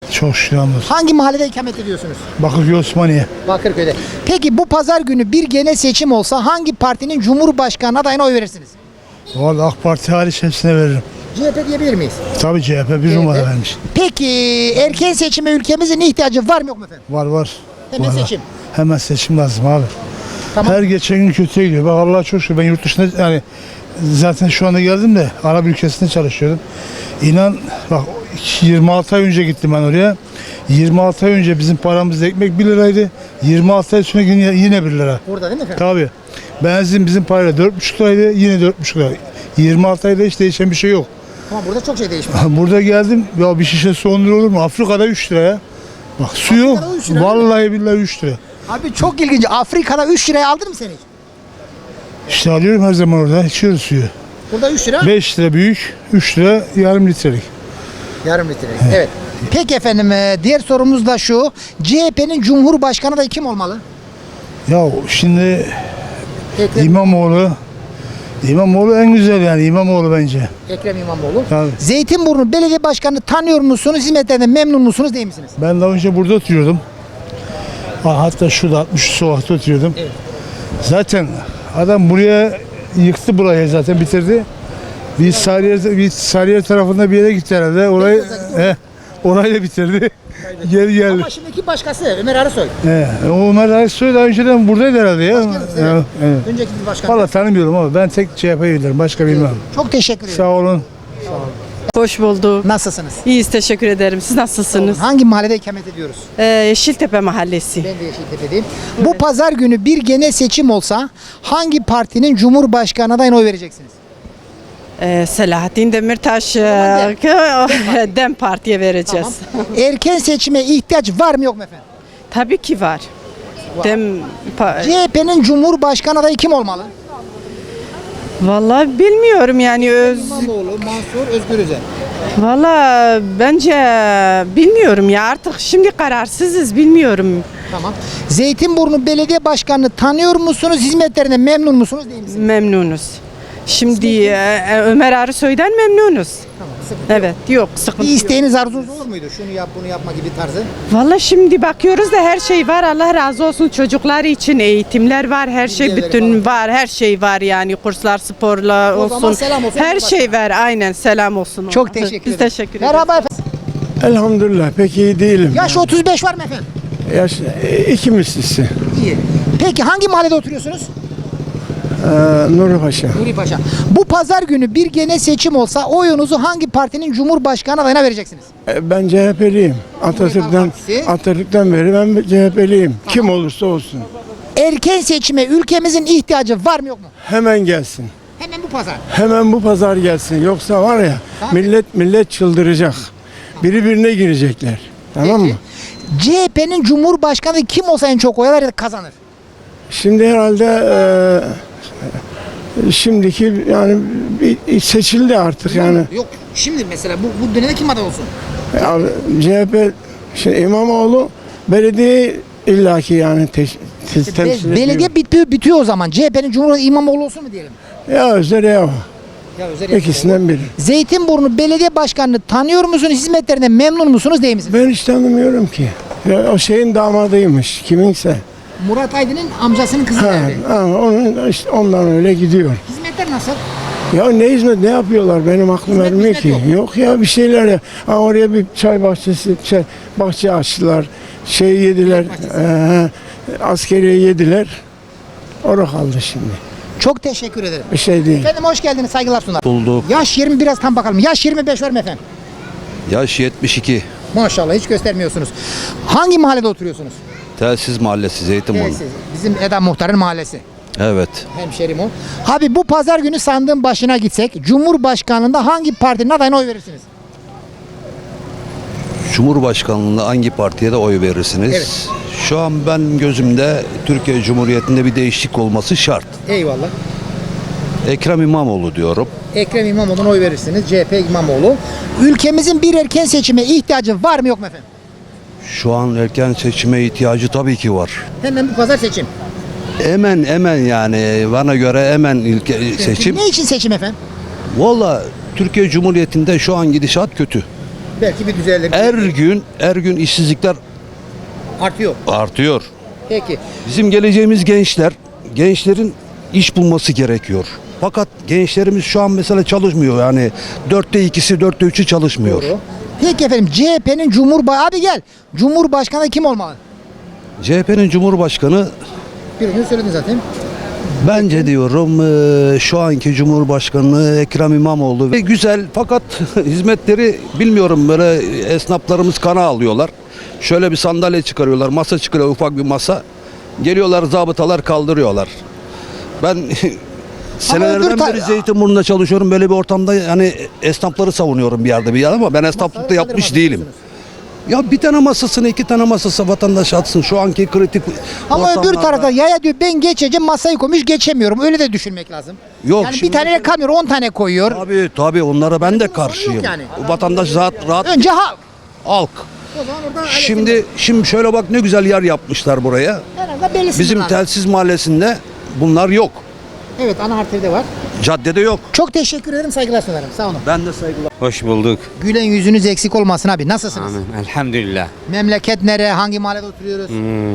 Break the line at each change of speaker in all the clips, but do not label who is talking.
Çok şükür hamdolsun.
Hangi mahallede ikamet ediyorsunuz?
Bakırköy Osmaniye.
Bakırköy'de. Peki bu pazar günü bir genel seçim olsa hangi partinin Cumhurbaşkanı adayına oy verirsiniz?
Vallahi AK Parti hariç hepsine veririm.
CHP diyebilir miyiz?
Tabii CHP bir numara vermiş.
Peki erken seçime ülkemizin ihtiyacı var mı yok mu efendim?
Var.
Hemen
Var.
seçim.
Hemen seçim lazım abi.
Tamam.
Her geçen gün kötüye gidiyor. Bak Allah'a çok şükür ben yurt dışında yani zaten şu anda geldim de Arap ülkesinde çalışıyordum. İnan bak 26 ay önce gittim ben oraya. 26 ay önce bizim paramızda ekmek 1 liraydı. 26 ay sonra yine 1 lira.
Burada değil mi efendim?
Tabii. Benzin bizim parayla 4,5 liraydı. Yine 4,5 lira. 26 ayda hiç değişen bir şey yok.
Ama burada çok şey değişmiş.
Burada geldim ya bir şişesi 10 lira olur mu? Afrika'da 3 liraya. Bak suyu
Afrika'da 3 lira
vallahi billahi 3 lira.
Abi çok ilginç. Afrika'da 3 liraya aldın mı sen hiç?
İşte alıyorum her zaman orada. İçiyoruz suyu.
Burada 3 lira.
5 lira büyük, 3 lira yarım litrelik.
Yarım litre. Evet. Peki efendim diğer sorumuz da şu. CHP'nin Cumhurbaşkanı da kim olmalı?
Ya şimdi
Ekrem,
İmamoğlu en güzel yani İmamoğlu bence.
Ekrem İmamoğlu.
Tabii.
Zeytinburnu Belediye Başkanı'nı tanıyor musunuz? Hizmetlerinden memnun musunuz değil misiniz?
Ben daha önce burada oturuyordum. Hatta şurada 60 sokakta oturuyordum.
Evet.
Zaten adam buraya yıktı burayı zaten bitirdi. Bir Sarıyer tarafında bir yere gitti herhalde. Orayı da bitirdi. Geri geldi.
Ama şimdiki başkası Ömer Arısoy.
Ömer Aysoy daha önceden buradaydı herhalde ya.
Evet.
Evet.
Önceki bir başkan.
Valla tanımıyorum ama ben tek CHP'yi bilirim. Başka bilmem.
Çok teşekkür ederim.
Sağ olun.
Hoş bulduk.
Nasılsınız?
İyiyiz, teşekkür ederim. Siz nasılsınız?
Hangi mahallede ikamet ediyoruz?
Yeşiltepe Mahallesi.
Ben de Yeşiltepe'deyim. Bu pazar günü bir genel seçim olsa hangi partinin Cumhurbaşkanı adayına oy vereceksiniz?
Selahattin Demirtaş Dem Parti'ye vereceğiz.
Tamam. Erken seçime ihtiyaç var mı yok mu efendim?
Tabii ki var. Dem
CHP'nin Cumhurbaşkanı adayı kim olmalı?
Vallahi bilmiyorum yani
İmamoğlu, Mansur, Özgür Özel.
Vallahi bence bilmiyorum ya artık şimdi kararsızız bilmiyorum.
Tamam. Zeytinburnu Belediye Başkanı'nı tanıyor musunuz? Hizmetlerine memnun musunuz değil misiniz?
Memnunuz. Şimdi Ömer Arısoy'dan memnunuz.
Tamam. Sıkıntı
Evet yok sıkıntı
Bir
yok.
isteğiniz arzunuz olur muydu? Şunu yap bunu yapma gibi tarzı.
Vallahi şimdi bakıyoruz da her şey var. Allah razı olsun çocuklar için eğitimler var. Her şey
Bilgileri
bütün var. Her şey var yani kurslar, sporla
O zaman
olsun.
selam olsun
Her
Cumhurbaşkanı.
şey var. Aynen selam olsun.
Çok
ona.
teşekkür ederim.
Biz teşekkür ederiz.
Merhaba efendim.
Elhamdülillah pek iyi değilim.
Yaş 35 var mı efendim?
Yaş iki mislisi.
İyi. Peki hangi mahallede oturuyorsunuz?
Nuri Paşa.
Nuri Paşa. Bu pazar günü bir genel seçim olsa oyunuzu hangi partinin Cumhurbaşkanı adayına vereceksiniz?
Ben CHP'liyim.
Partisi.
Atatürk'ten beri ben CHP'liyim. Kim olursa olsun.
Erken seçime ülkemizin ihtiyacı var mı yok mu?
Hemen gelsin.
Hemen bu pazar.
Hemen bu pazar gelsin. Yoksa var ya
Tamam.
millet çıldıracak. Biri birine girecekler. Tamam mı?
CHP'nin Cumhurbaşkanı kim olsa en çok oy alır kazanır.
Şimdi herhalde şimdiki yani seçildi artık yani.
Yok şimdi mesela bu dönemde kim aday olsun?
Yani CHP şimdi İmamoğlu belediye illaki yani temsil ediyor.
Belediye bitiyor o zaman. CHP'nin Cumhurbaşkanı İmamoğlu olsun mu diyelim?
Ya Özer ya.
Ya özel
İkisinden biri.
Zeytinburnu Belediye Başkanı'nı tanıyor musunuz? Hizmetlerine memnun musunuz değil misiniz?
Ben hiç tanımıyorum ki. Ya, o şeyin damadıymış kiminse.
Murat Aydın'ın amcasının kızı geldi.
Onun işte ondan öyle gidiyor.
Hizmetler nasıl?
Ya ne hizmet ne yapıyorlar benim aklım
Hizmet,
ermiyor ki.
hizmet
Yok ya bir şeyler ya. Oraya bir çay bahçesi bahçe açtılar. Şey yediler. Askeriye yediler. Orada kaldı şimdi.
Çok teşekkür ederim.
Bir şey değil.
Efendim hoş geldiniz, saygılar sunar.
Bulduk.
Yaş 20 biraz tam bakalım. Yaş 25 var mı efendim?
Yaş 72.
Maşallah hiç göstermiyorsunuz. Hangi mahallede oturuyorsunuz?
Telsiz Mahallesi Zeytinburnu.
Evet, bizim Eda Muhtar'ın mahallesi.
Evet.
Hemşerim o. Abi bu pazar günü sandığın başına gitsek Cumhurbaşkanlığında hangi partinin adayına oy verirsiniz?
Cumhurbaşkanlığında hangi partiye de oy verirsiniz?
Evet.
Şu an ben gözümde Türkiye Cumhuriyeti'nde bir değişiklik olması şart.
Eyvallah.
Ekrem İmamoğlu diyorum.
Ekrem İmamoğlu'na oy verirsiniz. CHP İmamoğlu. Ülkemizin bir erken seçime ihtiyacı var mı yok mu efendim?
Şu an erken seçime ihtiyacı tabii ki var.
Hemen bu pazar seçim.
Hemen yani bana göre hemen seçim.
Ne için seçim efendim?
Valla Türkiye Cumhuriyeti'nde şu an gidişat kötü.
Belki bir düzelir.
Her gün işsizlikler
Artıyor.
artıyor.
Peki.
Bizim geleceğimiz gençlerin iş bulması gerekiyor. Fakat gençlerimiz şu an mesela çalışmıyor, yani 4'te 2'si 4'te 3'ü çalışmıyor.
Doğru. Peki efendim, CHP'nin abi gel. Cumhurbaşkanı kim olmalı?
CHP'nin Cumhurbaşkanı,
Birini söyledin zaten.
bence diyorum şu anki Cumhurbaşkanı Ekrem İmamoğlu ve güzel, fakat hizmetleri bilmiyorum, böyle esnaflarımız kana alıyorlar. Şöyle bir sandalye çıkarıyorlar, masa çıkarıyor, ufak bir masa. Geliyorlar, zabıtalar kaldırıyorlar. Ben senelerden beri Zeytinburnu'nda çalışıyorum, böyle bir ortamda yani esnafları savunuyorum bir yerde ama ben esnaflıkta yapmış değilim. Ya bir tane masasını, 2 tane masası vatandaş atsın şu anki kritik
Ama öbür
ortamlarda.
tarafta yaya diyor, ben geçeceğim, masayı koymuş geçemiyorum. Öyle de düşünmek lazım.
Yok,
Yani bir
şimdi
tane kalmıyor, 10 tane koyuyor.
Tabii onlara ben de karşıyım.
yok yani.
Vatandaş rahat
Önce halk.
halk.
O zaman orada
Şimdi şöyle bak, ne güzel yer yapmışlar buraya.
herhalde belli
Bizim
sınırlar.
telsiz mahallesinde bunlar yok.
Evet, ana harfleri de var.
Caddede yok.
Çok teşekkür ederim, saygılar sunarım. Sağ olun.
Ben de saygılar.
Hoş bulduk.
Gülen yüzünüz eksik olmasın abi. Nasılsınız?
Amin. Elhamdülillah.
Memleket nere? Hangi mahallede oturuyoruz?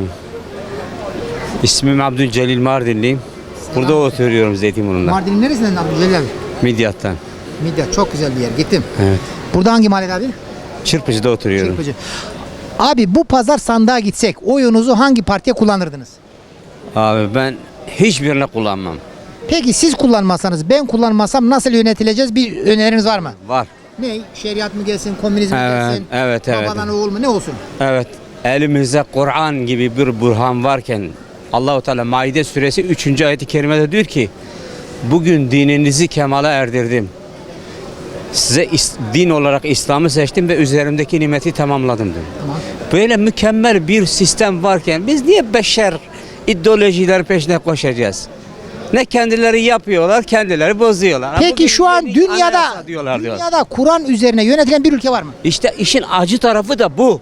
İsmim Abdülcelil Mardinliyim. Burada oturuyorum Zeytinburnu'nda.
Mardin'in neresinden Abdülcelil abi?
Midyat'tan.
Midye çok güzel bir yer. Gittim.
Evet.
Burada hangi mahallede abi?
Çırpıcı'da oturuyorum.
Çırpıcı. Abi bu pazar sandığa gitsek oyunuzu hangi partiye kullanırdınız?
Abi ben hiçbirini kullanmam.
Peki siz kullanmasanız, ben kullanmasam nasıl yönetileceğiz? Bir öneriniz var mı?
Var.
Ne? Şeriat mı gelsin, komünizm mi
Evet,
gelsin?
evet.
Babadan oğul mu? Ne olsun?
Evet. Elimizde Kur'an gibi bir burhan varken Allahu Teala Maide suresi 3. ayet-i kerimede diyor ki bugün dininizi kemale erdirdim. Size din olarak İslam'ı seçtim ve üzerimdeki nimeti tamamladım diyor.
Tamam.
Böyle mükemmel bir sistem varken biz niye beşer ideolojiler peşine koşacağız? Ne kendileri yapıyorlar, kendileri bozuyorlar.
Peki
Bugün
şu an
yeni
dünyada
anayasa diyorlar.
Kur'an üzerine yönetilen bir ülke var mı?
İşte işin acı tarafı da bu.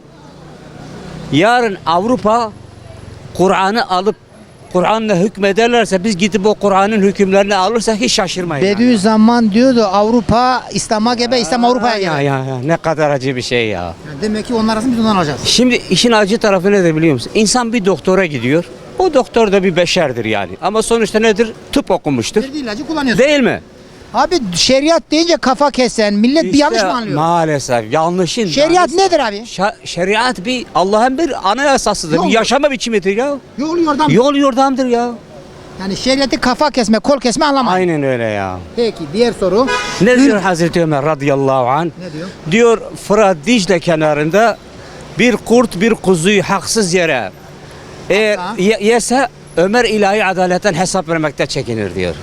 Yarın Avrupa Kur'an'ı alıp Kur'an'la hükmederlerse biz gidip o Kur'an'ın hükümlerini alırsak hiç şaşırmayın.
Bediüzzaman diyordu, Avrupa İslam'a gebe, İslam Avrupa'ya gebe.
Ya ne kadar acı bir şey ya.
Yani demek ki onlar arasında biz ondan alacağız.
Şimdi işin acı tarafı nedir biliyor musun? İnsan bir doktora gidiyor. O doktor da bir beşerdir yani. Ama sonuçta nedir? Tıp okumuştur.
Verdiği ilacı kullanıyorsun.
Değil mi?
Abi şeriat deyince kafa kesen millet bir yanlış mı anlıyor?
Maalesef yanlışın.
Şeriat nedir abi?
Şeriat bir Allah'ın bir anayasasıdır.
Yol.
Bir yaşama biçimidir ya.
Yol yordam.
Yol yordamdır ya.
Yani şeriatı kafa kesme, kol kesme anlamayın.
Aynen öyle ya.
Peki diğer soru.
Ne diyor Hazreti Ömer radıyallahu anh?
Ne diyor?
Diyor Fırat Dicle kenarında bir kurt bir kuzuyu haksız yere eğer
Hatta-
yese Ömer ilahi adaletten hesap vermekte çekinir diyor.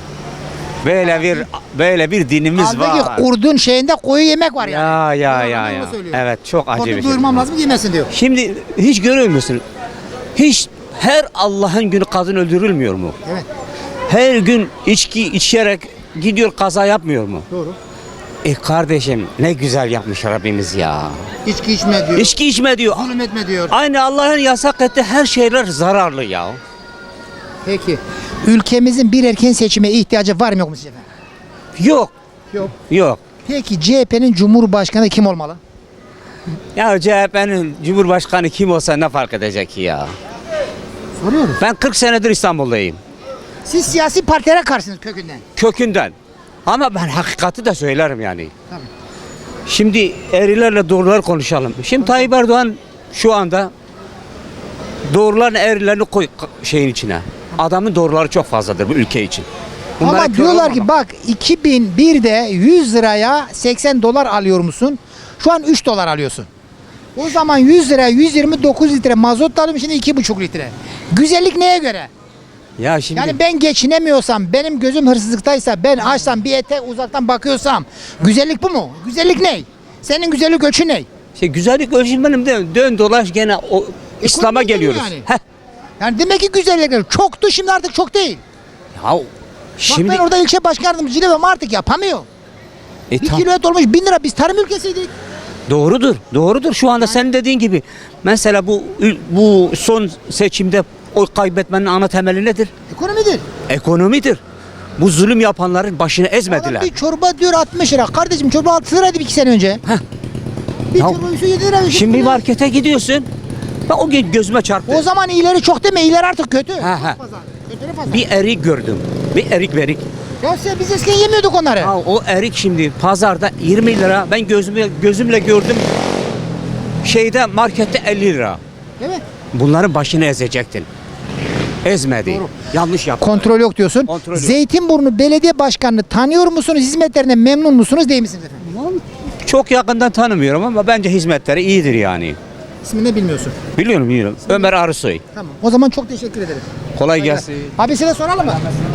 Böyle bir dinimiz
Halbuki
var.
kurdun şeyinde koyu yemek var yani.
Ya.
Onu söylüyor.
Evet çok acı
Kurdu
bir şey.
doyurmam lazım, yemesin diyor.
Şimdi hiç görüyor musun? Hiç her Allah'ın günü kadın öldürülmüyor mu?
Evet,
Her gün içki içerek gidiyor kaza yapmıyor mu?
doğru.
Kardeşim ne güzel yapmış Rabbimiz ya.
İçki içme diyor.
İçki içme diyor.
Zulüm etme diyor.
Aynı Allah'ın yasak ettiği her şeyler zararlı ya.
Peki. Ülkemizin bir erken seçime ihtiyacı var mı yok mu sizce efendim?
Yok.
Yok.
Yok.
Peki CHP'nin Cumhurbaşkanı kim olmalı?
Ya CHP'nin Cumhurbaşkanı kim olsa ne fark edecek ki ya?
Soruyoruz.
Ben 40 senedir İstanbul'dayım.
Siz siyasi partilere karşısınız kökünden.
Kökünden. Ama ben hakikati de söylerim yani.
Tabii.
Şimdi eğrilerle doğrular konuşalım. Şimdi Tayyip Erdoğan şu anda doğruların eğrilerini koy şeyin içine. Adamın doğruları çok fazladır bu ülke için. Bunlara
Ama
kör
diyorlar
olmamak.
ki bak 2001'de 100 liraya 80 dolar alıyor musun? Şu an 3 dolar alıyorsun. O zaman 100 liraya 129 litre mazot da alıyorum, şimdi 2,5 litre. Güzellik neye göre?
Ya şimdi
Yani ben geçinemiyorsam, benim gözüm hırsızlıktaysa, ben açsam bir ete uzaktan bakıyorsam güzellik bu mu? Güzellik ne? Senin güzellik ölçü ne?
güzellik ölçülmenim de dön dolaş gene o İslam'a
geliyor
geliyoruz.
yani.
Heh.
Yani demek ki güzellikler çoktu, şimdi artık çok değil.
Ya
Bak
şimdi
ben orada ilçe başkan yardımcısıyım ama artık yapamıyor. Bir kilo et olmuş 1000 lira, biz tarım ülkesiydik.
doğrudur. Doğrudur. Şu anda senin dediğin gibi mesela bu son seçimde oy kaybetmenin ana temeli nedir?
Ekonomidir.
Ekonomidir. Bu zulüm yapanların başını ezmediler.
Adam bir çorba diyor 60 lira. Kardeşim çorba 6 liraydı 2 sene önce. Bir
Ya,
çorba 7 lira.
Şimdi bir markete gidiyorsun. Ben o gün gözüme çarptı.
O zaman iyileri çok deme, iyiler artık kötü.
Ha.
Pazar. Kötülü pazar.
Bir erik gördüm. Bir erik verik.
Ya biz eskiden yemiyorduk onları.
Ya o erik şimdi pazarda 20 lira. Ben gözümle gördüm. Şeyde markette 50 lira.
Değil mi?
Bunların başını ezecektin. Ezmedi.
Doğru.
Yanlış yaptı.
Kontrol yok diyorsun.
Kontrol yok.
Zeytinburnu Belediye Başkanı'nı tanıyor musunuz? Hizmetlerinden memnun musunuz, değil misiniz efendim?
Çok yakından tanımıyorum ama bence hizmetleri iyidir yani.
İsmini de bilmiyorsun.
Biliyorum. Ömer Arısoy.
Tamam. O zaman çok teşekkür ederim.
Kolay gelsin.
Abi size soralım mı?